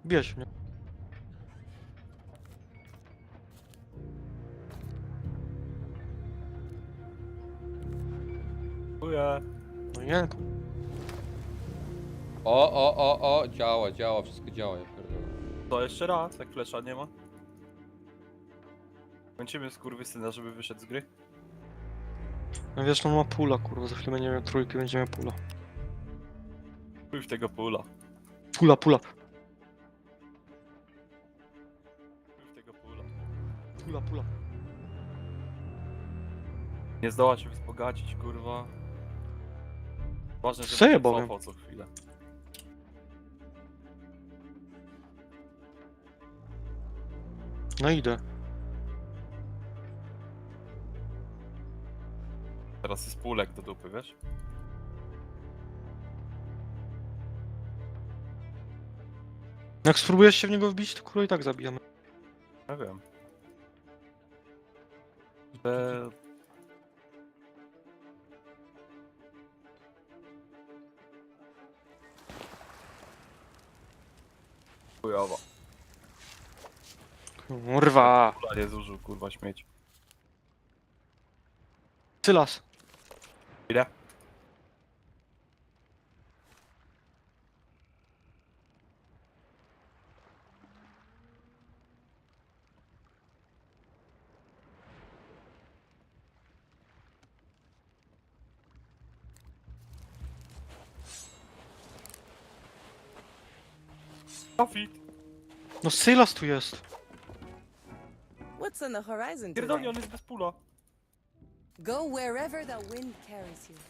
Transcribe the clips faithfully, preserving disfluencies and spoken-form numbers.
Bierz mnie. Dziękuję. No nie, O, o, o, o, działa, działa, wszystko działa, ja pierdolę. To jeszcze raz, jak flesza nie ma. Kończymy skurwysyna, żeby wyszedł z gry. no wiesz, no ma pula, kurwa, za chwilę będzie miał trójki, będzie miał pula. Chuj w tego pula. Pula, pula, Chuj w tego pula. pula, pula. Nie zdoła się wzbogacić, kurwa. Ważne, żeby Co ja się bowiem? cofał co chwilę. No idę. Teraz jest pulek do dupy, wiesz? Jak spróbujesz się w niego wbić, to kurwa i tak zabijamy. Ja wiem. Te... Chujowo. Kurwa. Pula nie zużył, kurwa, śmieć. Sylas. Ile? Profit! No Sylas tu jest. What's on the horizon Pierdolnie, today? on jest bez pula. Go wherever the wind carries you.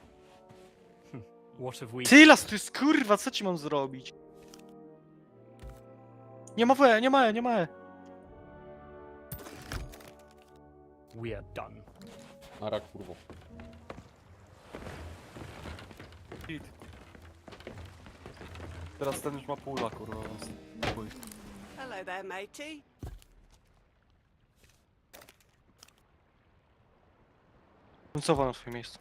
What have we Sylas tu jest, kurwa, co ci mam zrobić? Nie ma W, nie ma E, nie ma E. we are done? Nara, kurwo. Hit. Teraz ten już ma pula, kurwa, więc... chuj. Hello there, matey. Cofa na swoje miejsce.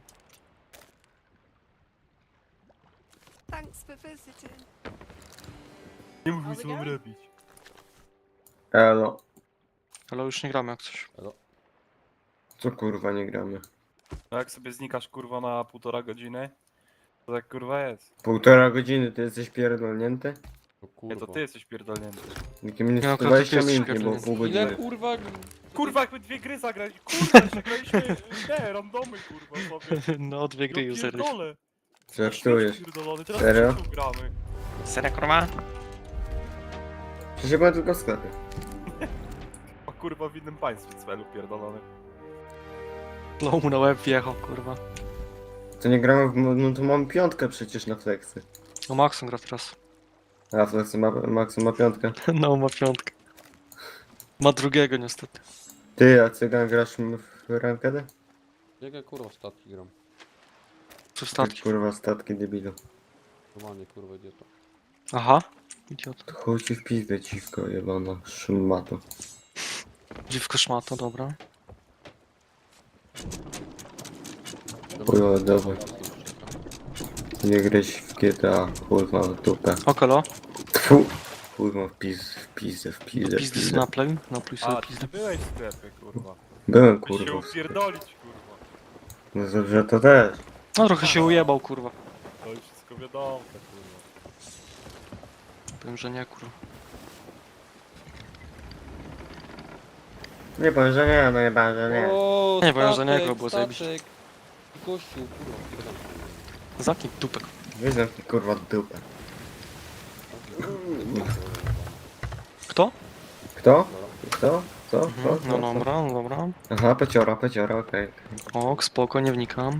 Thanks for visiting. Nie mów mi How's it co mam going? robić. Elo, Ale już nie gramy jak coś. co kurwa nie gramy? No jak sobie znikasz, kurwa, na półtora godziny, to tak, kurwa, jest. Półtora godziny, ty jesteś pierdolnięty? No Nie, kurwa. to ty jesteś pierdolnięty. Jakie minut Nie, no, to dwadzieścia ty jesteś minut nie było, pierdolnięty. pół Ile godziny. kurwa? Kurwa, jakby dwie gry zagrać, kurwa, jeszcze graliśmy, nie, randomy, kurwa, sobie. No, dwie gry Ja już zagraliśmy. pierdolę. Żartujesz. Pierdolony, teraz Serio? w gramy. Serio, kurwa? Przecież ja byłem tylko w sklepie. A kurwa w innym państwie celu pierdolony. Low mu na łeb wjechał, kurwa. To nie gramy w... no to mam piątkę przecież na flexy. No Maxon gra teraz. A flexy ma... Maxu ma piątkę. No, ma piątkę. Ma drugiego niestety. Ty, a cygan grasz w rankedę? Jakie kurwa statki gram? Czy Ty, statki? kurwa statki debilu. Normalnie kurwa idiota. Aha. Idiot. To chuj ci w pizdę dziwko jebana, szmato. Dziwko szmato, dobra. Chujowo, dawaj. Nie grać w G T A, kurwa w dupę. Okolo. Tfu! Kurwa w piz... w pizdę, w pizdę, w Pizdy z pizdę. naplej. Napluj sobie A, ty pizdę. byłeś w sklepie, kurwa. Byłem Kurwa, się kurwa. w sklepie. upierdolić, kurwa. No dobrze, to też. No trochę się ujebał, kurwa. To już wszystko wiadomo, kurwa. Powiem, że nie, kurwa. Nie powiem, że nie, no nie powiem, że nie. O, Nie, powiem, że nie, statek, było zajebiście. statek. Gościu, kurwa, pierdolę. Zaknij dupek. Wyznam ci kurwa dupę. Kto? Kto? Kto? Co? Co? Mhm. Co? No Co? dobra, no dobra. Aha, peciora, peciora, okej. Ok, spoko, nie wnikam.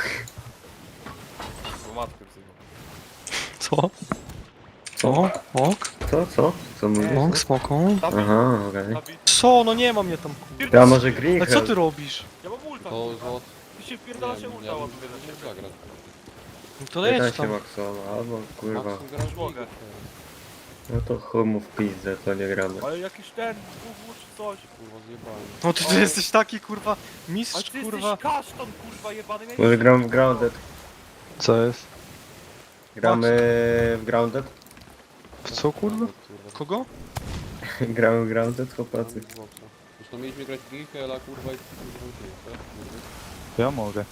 Bo matkę wzywa. Co? Co? Ok, Co? Co? Co mówisz? ok, spoko. Aha, okej. Nabi... Co? No nie ma mnie tam, kurwa. Ja może A Green co ty robisz? Ja mam ulta, To kurwa. złot. Ty się wpierdala się Nie, ulta, ja ładnie bym na nie ciebie. zagrać. No to jedź Pytaj się tam. Maxona, albo kurwa. Maxim gra w Mogę. ligę, No to chuj mu w pizdę, to nie gramy. Ale jakiś ten, Google czy coś. kurwa zjebałem. No ty, ty O. jesteś taki, kurwa, A mistrz, ty kurwa. jesteś kaszton, kurwa, jebany. miałeś- Może gram w Grounded. Co jest? Gramy w Grounded? W co, kurwa? Kogo? Gramy, gramy te chłopacy. Zresztą mieliśmy grać w Gihela, kurwa, i kurwa, nie, tak? Kurwa. Ja mogę.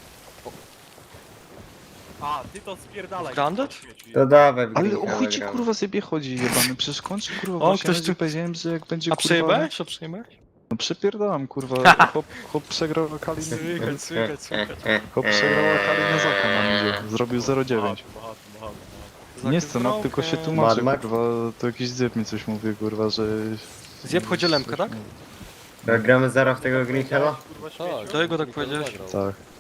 A, ty to spierdalaj. Grandet? kurwa, świeci. To dawaj w Ale Green o Hella chuj ci gramy. kurwa zjebie chodzi jebany, przecież kończy kurwa O, właśnie, ktoś ktoś tu- tu... powiedziałem, że jak będzie A kurwa... przejebałeś? A przejebałeś? No przepierdalam kurwa, chłop, chłop przegrał lokali... Słychać, słychać, słychać. Chłop przegrał lokali na Zaka na midzie, zrobił zero dziewięć. Bohaty, bohaty, bohaty, bohaty. Nie scenat, tylko się tłumaczy, Mad Max? kurwa, to jakiś zjeb mi coś mówi, kurwa, że... Zjeb chodzi lemkę, coś tak? mówi. To gramy zaraz w tego Green Hella? Kurwa, Tak, śmieciu. To jego tak Gihel powiedziałeś? zagrał. Tak.